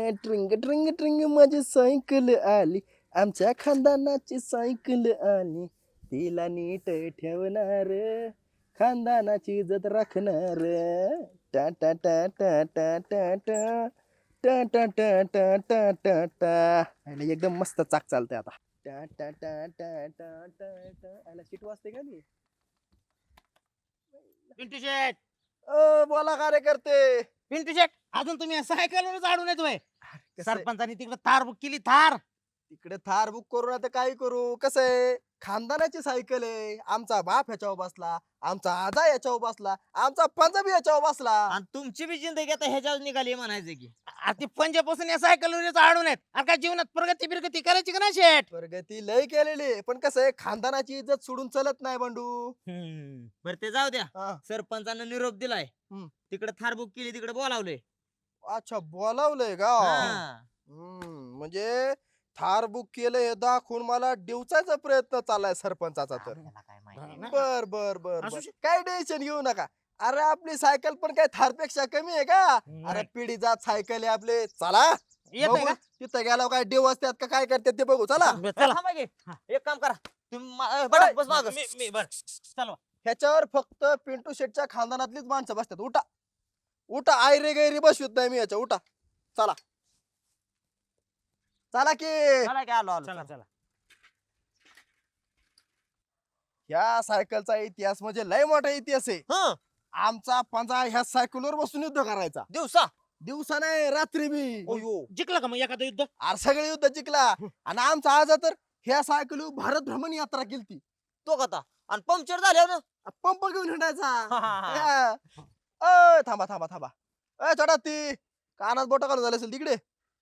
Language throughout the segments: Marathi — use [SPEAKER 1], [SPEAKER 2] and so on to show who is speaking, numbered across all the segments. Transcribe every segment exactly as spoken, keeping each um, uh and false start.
[SPEAKER 1] ट्रिंग ट्रिंग ट्रिंग माझी सायकल आली, आमच्या खानदानाची सायकल आली, तिला नीट ठेवणार, खानदानाची इज्जत राखणार. टा टा टा टा टा टा टा टा टा टा टा टा टा टा. आणि एकदम मस्त चाक चालतंय आता. टा टा टा टा टा टा टा. आला सीट वाजते का नाही?
[SPEAKER 2] पिंटू शेट
[SPEAKER 1] अ, बोला कार्यकर्ते.
[SPEAKER 2] पिंटू शेट अजून तुम्ही सायकलवरच आडून येतोय.
[SPEAKER 1] कसं आहे?
[SPEAKER 2] सरपंचानी तिकडे थार बुक केली थार.
[SPEAKER 1] तिकडे थार बुक करू ना तर काय करू. कसं आहे, खानदानाची सायकल आहे. आमचा बाप ह्याच्यावर बसला, आमचा आजा याच्यावर बसला, आमचा पंजाबी याच्यावर बसला.
[SPEAKER 3] आणि तुमची बी जिंदगी आता ह्याच्यावर निघाली म्हणायचं की
[SPEAKER 2] ती पंजापासून या सायकलवरच आडून आहेत. अरे काय जीवनात प्रगती बिरगती करायची का ना शेट?
[SPEAKER 1] प्रगती लय केलेली आहे, पण कसं आहे, खानदानाची इज्जत सोडून चलत नाही बंडू.
[SPEAKER 3] बर ते जाऊ द्या.
[SPEAKER 1] हा.
[SPEAKER 3] सरपंचानं निरोप दिलाय.
[SPEAKER 1] हम्म.
[SPEAKER 3] तिकडे थार बुक केली, तिकडे बोलावलंय.
[SPEAKER 1] अच्छा, बोलावलंय का?
[SPEAKER 3] हा.
[SPEAKER 1] हम्म, म्हणजे थार बुक केलं हे दाखवून मला डिवचायचा प्रयत्न चाललाय सरपंचाचा तर.
[SPEAKER 3] आपल्याला काय माहिती
[SPEAKER 2] ना.
[SPEAKER 1] बर बर बर
[SPEAKER 2] असू
[SPEAKER 1] बर.
[SPEAKER 2] शक-
[SPEAKER 1] काय टेन्शन घेऊ नका. अरे आपली सायकल पण काय थारपेक्षा कमी आहे का? अरे
[SPEAKER 2] नाही.
[SPEAKER 1] पिढी जात सायकल आहे आपले. चला
[SPEAKER 2] येतंय
[SPEAKER 1] बघू
[SPEAKER 2] का?
[SPEAKER 1] तिथं गेल्यावर काय देव असतात का काय करतात ते बघू. चला
[SPEAKER 2] बरं,
[SPEAKER 3] चला
[SPEAKER 2] चला.
[SPEAKER 3] थांबा की. एक काम करा तुम्ही मा- अं, बडा, बस मागं.
[SPEAKER 2] मी मी बर चला.
[SPEAKER 1] ह्याच्यावर फक्त पिंटू शेटच्या खानदानातलीच माणसं बसतात. उठा उठा, आयरे गैरी बसवत नाही मी याच्या. उठा चला चला की.
[SPEAKER 3] चला की, आलो आलो
[SPEAKER 2] चला
[SPEAKER 3] चला.
[SPEAKER 2] चला.
[SPEAKER 1] ह्या सायकलचा इतिहास म्हणजे लय मोठा इतिहास आहे.
[SPEAKER 3] हं,
[SPEAKER 1] आमचा पंजा ह्या सायकलवर बसून युद्ध करायचा.
[SPEAKER 3] दिवसा
[SPEAKER 1] दिवसा नाही रात्री बी.
[SPEAKER 3] अयो.
[SPEAKER 2] जिंकला का मग एखादं युद्ध?
[SPEAKER 1] अरे सगळे युद्ध जिंकला. आणि आमचा आजा तर ह्या सायकल भारत भ्रमण यात्रा केली.
[SPEAKER 3] तो कथा आणि पंक्चर झाल्यावर ना
[SPEAKER 1] पंप घेऊन हिंडायचा.
[SPEAKER 3] हा, हा, हा.
[SPEAKER 1] हा. अय, थांबा थांबा थांबा. अय चढा ती कानात बोट घालून झाले असेल तिकडे.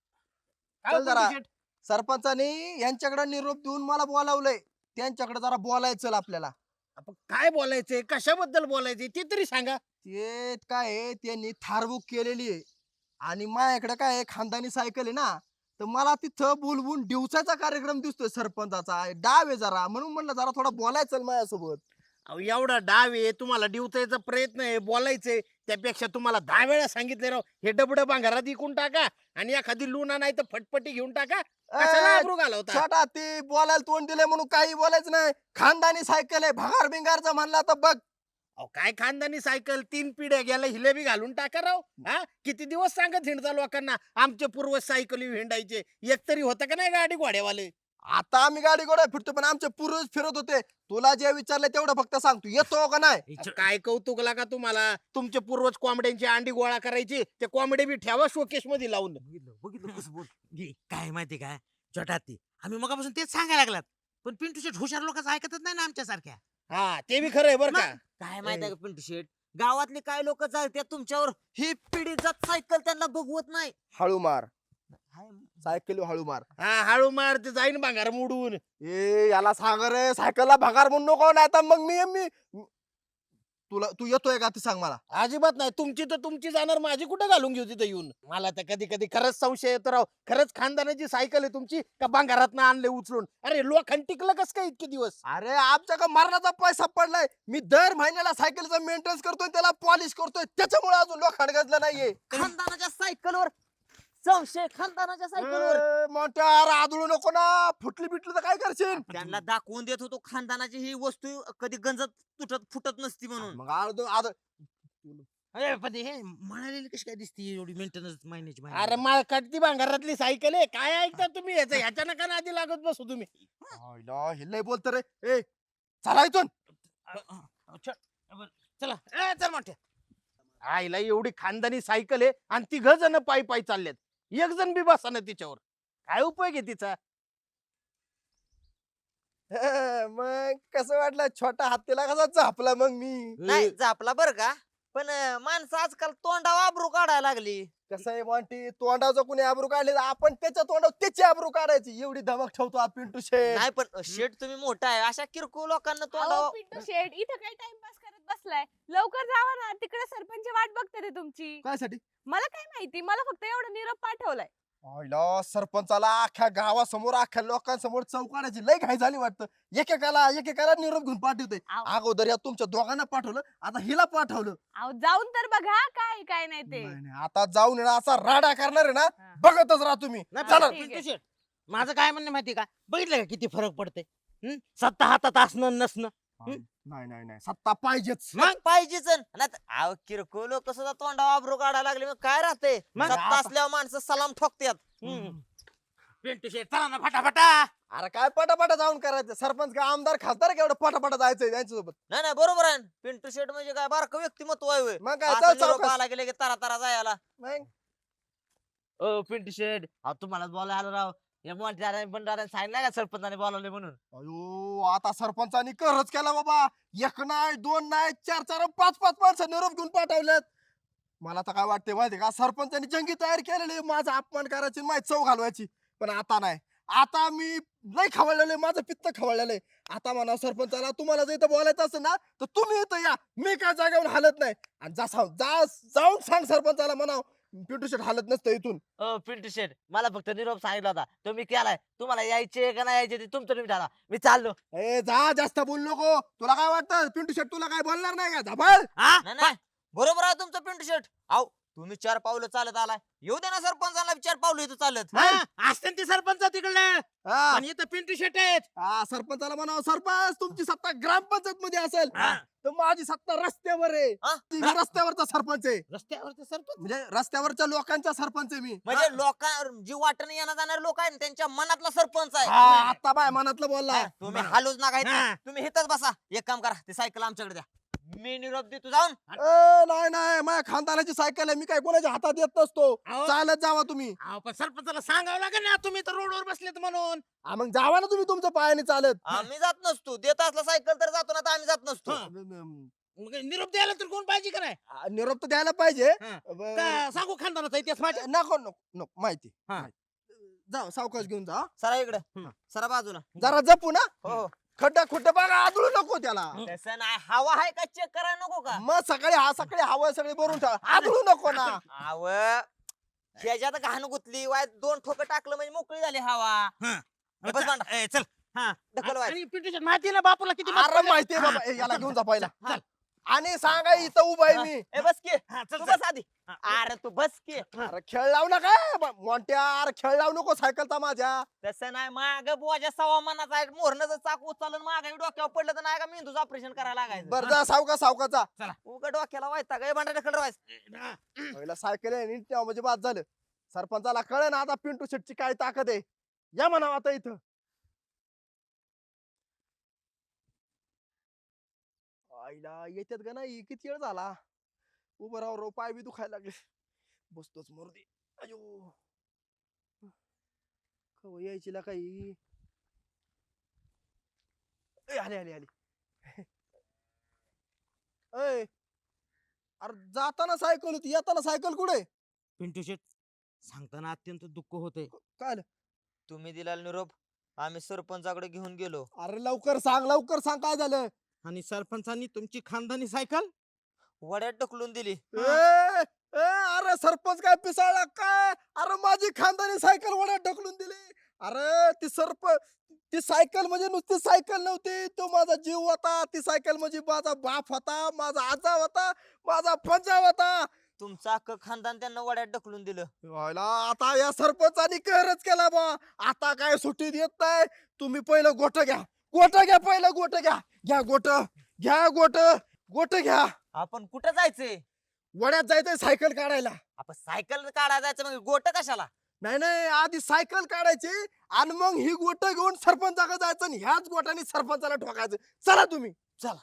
[SPEAKER 2] काय
[SPEAKER 1] चल
[SPEAKER 2] पिंटू
[SPEAKER 1] जरा.
[SPEAKER 2] शेट?
[SPEAKER 1] सरपंचानी यांच्याकडे निरोप देऊन मला बोलावलंय. त्यांच्याकडे जरा बोलायचं आपल्याला.
[SPEAKER 2] आपण काय बोलायचंय, कशाबद्दल बोलायचंय ते तरी सांगा.
[SPEAKER 1] ते काय आहे, त्यांनी थार बुक केलेली आहे आणि माझ्याकडे काय आहे, खानदानी सायकल आहे ना, तर मला तिथं बोलवून डिवचायचा कार्यक्रम दिसतोय सरपंचाचा. डाव आहे जरा, म्हणून म्हणलं जरा थोडा बोलायचं माझ्यासोबत.
[SPEAKER 2] अहो, एवढा डाव आहे, तुम्हाला डिवचायचा प्रयत्न आहे, बोलायचंय. त्यापेक्षा तुम्हाला दहा वेळा सांगितले राव, हे डबडं भांगारात इकून टाका आणि एखादी लुना नाही तर फटपटी घेऊन टाका. कशाला
[SPEAKER 1] ए,
[SPEAKER 2] आबरू घालवता?
[SPEAKER 1] छोटा ती बोलायला तोंड दिलंय म्हणून काही बोलायचं नाही. खानदानी सायकल आहे, भंगार बिंगारचा म्हणला तर बघ.
[SPEAKER 2] अहो, काय खानदानी सायकल, तीन पिढ्या गेल्या हिलेबी घालून टाका राव. हा किती दिवस सांगत हिंडता लोकांना आमचे पूर्वज सायकली हिंडायचे. एक तरी होतं का नाही गाडी घोड्यावाले?
[SPEAKER 1] आता आम्ही गाडी गोडा फिरतो, पण आमचे पूर्वज फिरत होते. तुला जे विचारलं तेवढं फक्त सांग, तू येतो का नाही?
[SPEAKER 2] अहो, काय कौतुक लागा तुम्हाला. तुमचे पूर्वज कोंबड्यांची अंडी गोळा करायची, ते कोंबडे बी ठेवा शोकेश मध्ये लावून.
[SPEAKER 3] बघितलं बघितलं कसं बोल.
[SPEAKER 4] घे, काय माहिती काय छोटा ती आम्ही मगापासून तेच सांगायला लागलात, पण पिंटू शेट हुशार लोकांचं ऐकतच नाही ना आमच्या सारख्या.
[SPEAKER 2] हा ते बी खरंय बरं का.
[SPEAKER 3] काय माहिती आहे का पिंटू शेट, गावातले काय लोक चालतात तुमच्यावर, ही पिढी जात सायकल त्यांना बघवत नाही.
[SPEAKER 1] हळू मार
[SPEAKER 3] हाय,
[SPEAKER 1] सायकल, हळू मार.
[SPEAKER 2] हा हळू मार, ते जाईन भांगार मोडून.
[SPEAKER 1] ए याला सांग रे, सायकलला भंगार म्हणून नको, नाही तर मग मी मी तुला तू येतोय का ते सांग मला.
[SPEAKER 2] अजिबात नाही. तुमची तर तुमची जाणार, माझी कुठं घालून घेऊ तिथं येऊन. मला तर कधी कधी खरंच संशय येतो राव, खरंच खानदानाची सायकल आहे तुमची का भांगारात आणले उचलून? अरे लोखंड टिकलं कस काय इतके दिवस?
[SPEAKER 1] अरे आमच्या का मरणाचा पैसा पडलाय. मी दर महिन्याला सायकलचा मेंटेनन्स करतोय, त्याला पॉलिश करतोय, त्याच्यामुळे अजून लोखंड गजलं नाहीये.
[SPEAKER 3] खानदानाच्या सायकलवर संशय, खानदानाच्या सायकलवर.
[SPEAKER 1] ए, मोठ्या आदळू नको ना, फुटली बिटली तर काय करशील?
[SPEAKER 3] त्यांना दाखवून देत होतो खानदानाची ही वस्तू कधी गंजत तुटत फुटत नसती म्हणून.
[SPEAKER 1] मग आदळ आदळ
[SPEAKER 4] अरे पण हे म्हणालेली कशी काय दिसती एवढी मेंटेनन्स महिन्याची महिन्याची?
[SPEAKER 2] अरे मला कटती भांगारातली सायकल आहे. काय ऐकता तुम्ही याचं? ह्याच्या नका आधी लागत बसू तुम्ही.
[SPEAKER 1] आईला, हे लय बोलत रे. ए चला इथून.
[SPEAKER 2] चला ए, चल मोठ्या. आईला एवढी खानदानी सायकल आहे आणि तिघ जण पायी पायी चाललेत. एक जण बी बसा ना तिच्यावर. काय उपयोग आहे तिचा?
[SPEAKER 1] हे, मग कसं वाटलं छोटा हत्तीला कसा झापला मग मी.
[SPEAKER 3] नाही झापला बर का, पण अं, माणसं आजकाल तोंडावर आबरू काढायला लागली.
[SPEAKER 1] कसं आहे मॉन्टी, तोंडाचं कुणी आबरू काढले तर आपण त्याच्या तोंडावर त्याची आबरू काढायची. एवढी धमक ठेवतो हा पिंटू शेठ.
[SPEAKER 3] नाही पण शेट तुम्ही मोठा आहे, अशा किरकोळ लोकांना
[SPEAKER 5] अहो,
[SPEAKER 3] तोंडावर
[SPEAKER 5] पिंटू शेट इथं काय टाइमपास करत बसलाय? लवकर जावा ना, तिकडे सरपंच वाट बघते ते तुमची.
[SPEAKER 1] काय साठी?
[SPEAKER 5] मला काय माहिती, मला फक्त एवढा निरोप पाठवलाय.
[SPEAKER 1] आईला, सरपंचाला अख्ख्या गावासमोर अख्ख्या लोकांसमोर चौकाडाची लय घाई झाली वाटतं. एकेकाला एकेकाला निरोप घेऊन पाठवते.
[SPEAKER 5] अहो.
[SPEAKER 1] अगोदर या तुमच्या दोघांना पाठवलं, आता हिला पाठवलं.
[SPEAKER 5] अहो जाऊन तर बघा काय काय नाही ते.
[SPEAKER 1] नाही, नाही, आता जाऊन आहे ना असा राडा करणार आहे ना,
[SPEAKER 5] हा.
[SPEAKER 1] बघतच राहा तुम्ही
[SPEAKER 4] नाही
[SPEAKER 1] चला.
[SPEAKER 4] पण पिंटू शेट माझं काय म्हणणं माहिती का बघितलं का किती फरक पडते हं? सत्ता हातात असणं नसणं
[SPEAKER 1] नाही नाही नाही सत्ता पाहिजेच
[SPEAKER 4] मग
[SPEAKER 3] पाहिजेच नाही अहो किरकोळ लोक सुद्धा तोंडा वाबरू काढायला लागले मग काय राहते
[SPEAKER 4] मग
[SPEAKER 3] सत्ता
[SPEAKER 1] आता-
[SPEAKER 3] असल्यावर माणसं सलाम ठोकतात
[SPEAKER 4] हं. पिंटू शेट चला ना फटाफटा
[SPEAKER 1] अरे काय पटापटा जाऊन करायचं सरपंच काय आमदार खासदार का एवढं पटापटा जायचंय त्यांच्यासोबत
[SPEAKER 3] नाही नाही बरोबर आहे पिंटू शेट म्हणजे काय बारकं व्यक्तिमत्व आहे होय.
[SPEAKER 1] मग काय
[SPEAKER 3] असं
[SPEAKER 1] चल
[SPEAKER 3] निरोप
[SPEAKER 1] सावकाश.
[SPEAKER 3] आला गेले की तारा तारा जायला
[SPEAKER 1] मग
[SPEAKER 3] ओ पिंटू शेट अहो तुम्हाला बोलायला आलो राव या मोठ्या बंडाऱ्याने सांगितलं का सरपंचाने बोलावले म्हणून
[SPEAKER 1] अयो आता सरपंचानी करच केला बाबा एक नाही दोन नाही चार चार पाच पाच माणसं निरोप घेऊन पाठवल्यात मला तर काय वाटते माहिती का सरपंचानी जंगी तयार केलेली माझा अपमान करायची माझी चव घालवायची पण आता नाही आता मी लय खवळलेलं आहे, माझं पित्त खवळलेलं आहे. आता म्हणा सरपंचाला तुम्हाला जर इथं बोलायचं असेल ना तर तुम्ही इथं या मी काय जागेवर हालत नाही आणि जा सांग- जा जाऊन सांग सरपंचाला म्हणा पिंटू शेट हालत नसतं इथून.
[SPEAKER 3] ओ पिंटू शेट मला फक्त निरोप सांगितला होता तुम्ही केलाय तुम्हाला यायचे का नाही यायचे ते तुमचं तुम्ही झाला मी चाललो
[SPEAKER 1] ए जा जास्त बोल नको तुला काय वाटतं पिंटू शेट तुला काय बोलणार नाही का झाबळ
[SPEAKER 4] हा
[SPEAKER 3] नाही नाही बरोबर आहे तुमचं पिंटू शेट आहो तुम्ही चार पावलं चालत आलाय येऊ दे ना सरपंचाला चार पावलं इथं चालत
[SPEAKER 4] हा, असते ना ते सरपंच तिकडलं
[SPEAKER 1] हा
[SPEAKER 4] पण इथं पिंटू शेट आहेत
[SPEAKER 1] हा, सरपंचाला म्हणावं सरपंच तुमची सत्ता ग्रामपंचायत मध्ये असेल
[SPEAKER 4] हा.
[SPEAKER 1] तर माझी सत्ता रस्त्यावर आहे
[SPEAKER 3] हा?
[SPEAKER 1] ती मी रस्त्यावरचा सरपंच आहे
[SPEAKER 4] रस्त्यावरचे सरपंच
[SPEAKER 1] म्हणजे रस्त्यावरच्या लोकांचा सरपंच आहे मी
[SPEAKER 3] म्हणजे लोकां जी वाटणे येणार जाणारे लोक आहेत त्यांच्या मनातला सरपंच आहे
[SPEAKER 1] हा आता बाय मनातलं बोलला
[SPEAKER 3] हा, तुम्ही हालूच नका इथं.
[SPEAKER 4] हा.
[SPEAKER 3] तुम्ही इथंच बसा एक काम करा ते सायकल आमच्याकडे द्या मी निरोप देतो जाऊन
[SPEAKER 1] ए, नाही नाही माझ्या खानदानाची सायकल आहे मी काय कोणाच्या हातात येत नसतो
[SPEAKER 4] अहो.
[SPEAKER 1] चालत जावा तुम्ही
[SPEAKER 4] अहो, पण सरपंचाला सांगावं लागेल ना तुम्ही तर रोडवर बसलेत म्हणून
[SPEAKER 1] हा, मग जावा ना तुम्ही तुमच्या पायाने चालत
[SPEAKER 3] आम्ही जात नसतो देत असला सायकल तर जातो ना तर आम्ही जात नसतो
[SPEAKER 4] हा. मग निरोप द्यायला तर कोण पाहिजे का नाही
[SPEAKER 1] आ, निरोप तर द्यायला पाहिजे
[SPEAKER 4] हा.
[SPEAKER 1] ब-
[SPEAKER 4] का सांगू खानदानाचा इतिहास माझ्या
[SPEAKER 1] नको नको नको माहिती
[SPEAKER 4] हा.
[SPEAKER 1] माहिती. जा सावकाश घेऊन जा
[SPEAKER 3] सरा इकडे
[SPEAKER 4] हम्म.
[SPEAKER 3] सरा बाजूला
[SPEAKER 1] जरा जपू ना
[SPEAKER 3] हो
[SPEAKER 1] खड्डा खुड्डा बघा आदळू नको त्याला
[SPEAKER 3] तसं नाही हवा आहे का चेक करायला नको का
[SPEAKER 1] मग सकाळी हा सकाळी हवा सगळी भरून ठेवा आदळू नको ना
[SPEAKER 3] आव ह्याच्यात घाण गुतली वाय दोन ठोक टाकलं म्हणजे मोकळी झाली हवा
[SPEAKER 4] हा.
[SPEAKER 3] बस भांडा.
[SPEAKER 4] ए, चल हा
[SPEAKER 3] ढकल वाय.
[SPEAKER 4] आणि पिंटू शेट माहिती आहे ना बापूला किती मत
[SPEAKER 1] अरे
[SPEAKER 4] पडले?
[SPEAKER 1] माहितीये
[SPEAKER 4] हा.
[SPEAKER 1] बाबा ए, याला घेऊन जा पहिला
[SPEAKER 4] चल.
[SPEAKER 1] आणि सांगा इथं उभा आहे मी
[SPEAKER 3] ए बस की
[SPEAKER 4] हा, चल,
[SPEAKER 3] तू
[SPEAKER 4] चल.
[SPEAKER 3] बस आधी
[SPEAKER 4] हा.
[SPEAKER 3] अरे तू बस की
[SPEAKER 1] अरे खेळ लावू नका ब- मोठ्या अरे खेळ लावू नको सायकलचा माझ्या
[SPEAKER 3] तसं नाही माग बुवाच्या सव्वा मनाचा आहे मोहरनं चाक उचलून माग डोक्यावर पडलं तर नाही का मेंदूचं ऑपरेशन करायला लागायचं
[SPEAKER 1] बर जा सावका सावकाचा
[SPEAKER 3] उगा डोक्याला व्हायचा काय भांडा ढकल व्हायचं
[SPEAKER 4] हा.
[SPEAKER 1] पहिला सायकल आहे नीट ठेवा म्हणजे बाद झालं सरपंचाला कळ ना आता पिंटू शेटची काय ताकद आहे या म्हणावं आता इथं आईला येतात का नाही किती वेळ झाला उभं राव राव पाय बी दुखायला लागले बसतोच मोरदे अयो कव यायची ला काही ए, आले आले आले अय अरे जाताना सायकल होती येताना सायकल कुठे
[SPEAKER 4] पिंटू शेट सांगताना अत्यंत दुःख होते
[SPEAKER 1] काय आलं?
[SPEAKER 3] तुम्ही दिला निरोप आम्ही सरपंचाकडे घेऊन गेलो
[SPEAKER 1] अरे लवकर सांग लवकर सांग काय झालं
[SPEAKER 4] आणि सरपंचांनी तुमची खानदानी सायकल
[SPEAKER 3] वड्यात ढकलून दिली
[SPEAKER 1] ए, ए, अरे सरपंच काय पिसाळला काय अरे माझी खानदानी सायकल वड्यात ढकलून दिली अरे ती सरप ती सायकल म्हणजे नुसती सायकल नव्हती तो माझा जीव होता ती सायकल म्हणजे माझा बाप होता माझा आजा होता माझा पंजा होता
[SPEAKER 3] तुमचं अख्खं खानदान त्यांना वड्यात ढकलून दिलं
[SPEAKER 1] व्हायला आता या सरपंचानी कहरच केला बा आता काय सुट्टी देत नाही तुम्ही पहिलं गोट घ्या गोट घ्या पहिलं गोट घ्या घ्या गोट घ्या गोट गोट घ्या
[SPEAKER 3] आपण कुठं जायचंय
[SPEAKER 1] वड्यात जायचंय सायकल काढायला
[SPEAKER 3] आपण सायकल काढायला जायचं मग गोट कशाला
[SPEAKER 1] नाही नाही आधी सायकल काढायची आणि मग ही गोट घेऊन सरपंचाकडे जायचं आणि ह्याच गोटाने सरपंचाला ठोकायचं चला तुम्ही
[SPEAKER 3] चला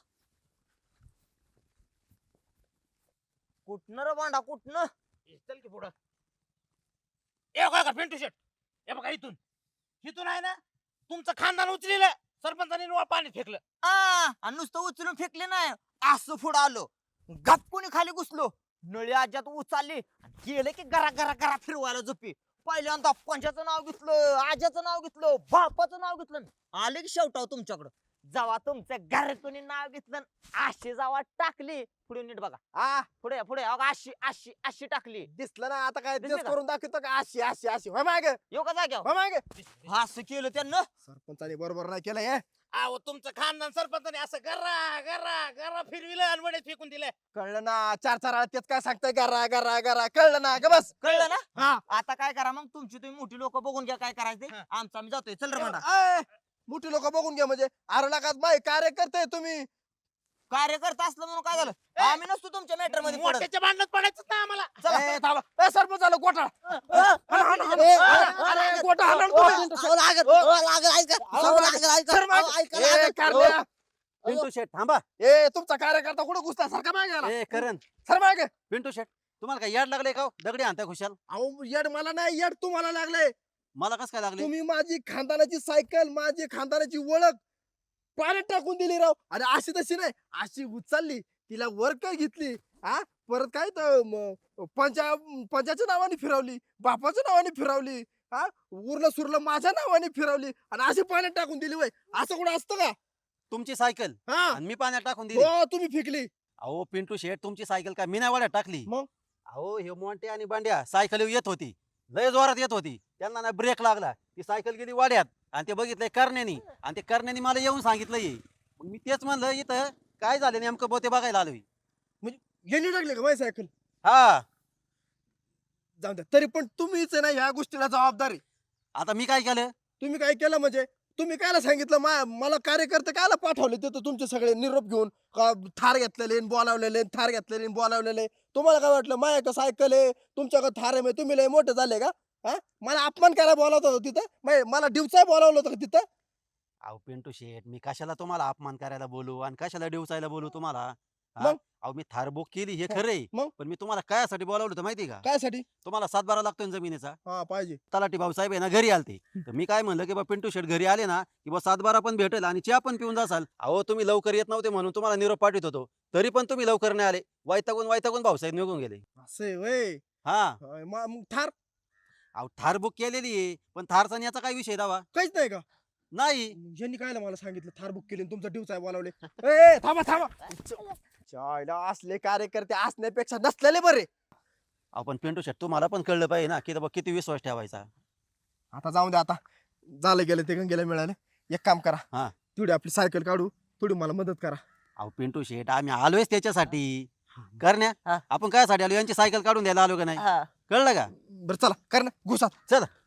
[SPEAKER 3] कुठनं रे भांडा कुठनं
[SPEAKER 4] ए, चल की पुढं ए बघा का पिंटू शेट हे बघा इथून इथून आहे ना तुमचं खानदान उचलेलं सरपंचाने निव्वळ पाण्यात फेकलं
[SPEAKER 3] आ, आणि नुसतं उचलून फेकले नाही असं पुढं आलो गपकुनी खाली घुसलो नळी आज्यात उचलली आणि गेले की घरा घरा घरा फिरवायला झोपी पहिल्यांदा पंचाचं नाव घेतलं आज्याचं नाव घेतलं बापाचं नाव घेतलं आले की शेवटाव तुमच्याकडं जेव्हा तुमचं घरकुनी नाव घेतलं आशी जेव्हा टाकली पुढे नीट बघा
[SPEAKER 1] आ
[SPEAKER 3] पुढे पुढे अगं अशी अशी अशी टाकली
[SPEAKER 1] दिसलं ना आता काय
[SPEAKER 3] दिसलं
[SPEAKER 1] तेच
[SPEAKER 3] का?
[SPEAKER 1] करून दाखवतो का अशी अशी अशी होय मागे
[SPEAKER 3] येऊ का जाग्यावर
[SPEAKER 1] होय मागे
[SPEAKER 3] असं केलं त्यांना
[SPEAKER 1] सरपंचाने बरोबर नाही केलं हे
[SPEAKER 4] अहो तुमचं खानदान सरपंचाने असं गरा गरा गरा फिरविलं आणि वडेच फेकून दिलं.
[SPEAKER 1] कळलं ना चार चार आळा तेच काय सांगताय गरा गरा गरा कळलं ना ग बस
[SPEAKER 3] कळलं ना
[SPEAKER 1] हा
[SPEAKER 3] आता काय करा मग तुमची तुम्ही मोठी लोक बघून घ्या काय करायचं
[SPEAKER 4] हा.
[SPEAKER 3] आमचं आम्ही जातोय चल रे म्हणा
[SPEAKER 1] अय, मोठी लोक बघून घ्या म्हणजे अरे नका माय कार्यकर्ते तुम्ही
[SPEAKER 3] कार्यकर्ता असलं म्हणून काय झालं आम्ही नसतो तुमच्या मॅटर मध्ये पडत
[SPEAKER 4] मोठ्याच्या भांडणात पडायचं ना आम्हाला.
[SPEAKER 1] ए, थांबा. ए, सरपंच आलं गोठा
[SPEAKER 3] ए,
[SPEAKER 1] अरे गोठा हाणा ना तुम्ही.
[SPEAKER 3] सो लागल, सो लागल, ऐका. सो लागल, ऐका.
[SPEAKER 1] सर, माग.
[SPEAKER 3] ऐका,
[SPEAKER 1] ए,
[SPEAKER 3] लागल.
[SPEAKER 1] कारण्या.
[SPEAKER 6] पिंटू शेट थांबा.
[SPEAKER 1] ए तुमचा कार्यकर्ता कुठं घुसता सारखा मागे आला.
[SPEAKER 6] ए करण
[SPEAKER 1] सर मागे
[SPEAKER 6] पिंटू शेट तुम्हाला काय याड लागले का हो? दगडी आणताय खुशाल.
[SPEAKER 1] अहो येड मला नाही येड तुम्हाला लागले
[SPEAKER 6] मला कस काय लागले.
[SPEAKER 1] तुम्ही माझी खानदानाची सायकल माझी खानदानाची ओळख पाण्यात टाकून दिली राव आणि अशी तशी नाही अशी उचलली तिला वर काय घेतली हा परत काय तर म- पंचा पंचाच्या नावाने फिरवली बापाच्या नावाने फिरवली हा उरलं सुरलं माझ्या नावाने फिरवली आणि अशी पाण्यात टाकून दिली वय असं कुठं असतं का
[SPEAKER 6] तुमची सायकल
[SPEAKER 1] हा
[SPEAKER 6] आणि मी पाण्यात टाकून दिली.
[SPEAKER 1] हो तुम्ही फेकली
[SPEAKER 6] अहो पिंटू शेट तुमची सायकल काय मी नाही वाड्यात टाकली.
[SPEAKER 1] मग?
[SPEAKER 6] अहो हे मोंटे आणि बांड्या सायकल येत होती लय जोरात येत होती त्यांना ना ब्रेक लागला ती सायकल गेली वाड्यात आणि ते बघितलंय करण्यानी आणि ते करण्यानी मला येऊन सांगितलं ये मग मी तेच म्हणलं इथं काय झालं नेमकं बोते बघायला आलोय.
[SPEAKER 1] यांनी टाकली का माझी सायकल
[SPEAKER 6] हा
[SPEAKER 1] जाऊ द्या तरी पण तुम्हीच आहे ना ह्या गोष्टीला जबाबदार आहे
[SPEAKER 6] आता मी काय केलं.
[SPEAKER 1] तुम्ही काय केलं म्हणजे तुम्ही कायला सांगितलं मा- मला कार्यकर्ते कायला पाठवले ते तुमचे सगळे निरोप घेऊन का थार घेतलेले न बोलावलेले न थार घेतलेले न बोलावलेले तुम्हाला काय वाटलं माया का सायकल आहे तुमच्याकडे थार आहे म्हणजे तुम्ही लय मोठे झाले का हा मला अपमान करायला बोलावत होतं तिथं मै- मला दिवसा बोलावलं होतं का तिथं
[SPEAKER 6] अहो पिंटू शेट मी कशाला तुम्हाला अपमान करायला बोलू आणि कशाला डिवसायला बोलू तुम्हाला हा?
[SPEAKER 1] मग?
[SPEAKER 6] अहो मी थार बुक केली हे खरंय
[SPEAKER 1] मग?
[SPEAKER 6] पण मी तुम्हाला कायासाठी बोलावलं होतं माहिती का.
[SPEAKER 1] कायसाठी
[SPEAKER 6] तुम्हाला सातबारा लागतोय ना जमिनीचा.
[SPEAKER 1] हा पाहिजे
[SPEAKER 6] तलाठी भाऊसाहेब आहे ना घरी आलते तर मी काय म्हणलं की बा पिंटू शेट घरी आले ना की बा सातबारा पण भेटेल आणि चहा पण पिऊन जासाल. अहो तुम्ही लवकर येत नव्हते म्हणून तुम्हाला निरोप पाठवत होतो तरी पण तुम्ही लवकर नाही आले वैतागून वैतागून भाऊसाहेब निघून गेले.
[SPEAKER 1] असे वय
[SPEAKER 6] हा
[SPEAKER 1] मग थार
[SPEAKER 6] अहो थार बुक केलेली आहे पण थारचा आणि याचा काय विषय दावा
[SPEAKER 1] काहीच नाही का
[SPEAKER 6] नाही.
[SPEAKER 1] यांनी काय मला सांगितलं थार बुक केली तुमचा दिवसा बोलावले ए थांबा थांबा चायला असले कार्यकर्ते असण्यापेक्षा नसलेले बरे
[SPEAKER 6] आपण पिंटू शेट तुम्हाला पण कळलं पाहिजे ना की बाबा किती विश्वास ठेवायचा.
[SPEAKER 1] आता जाऊन द्या आता झालं गेलं ते गेलं मिळालं एक काम करा
[SPEAKER 6] हा.
[SPEAKER 1] तेवढी आपली सायकल काढू थोडी मला मदत करा
[SPEAKER 6] अहो पिंटू शेट आम्ही आलोयच त्याच्यासाठी करण्या
[SPEAKER 3] हा.
[SPEAKER 6] आपण काय साठी आलो यांची सायकल काढून द्यायला आलो का नाही
[SPEAKER 3] हा.
[SPEAKER 6] कळलं का.
[SPEAKER 1] बरं चला कर ना घुसा
[SPEAKER 6] चला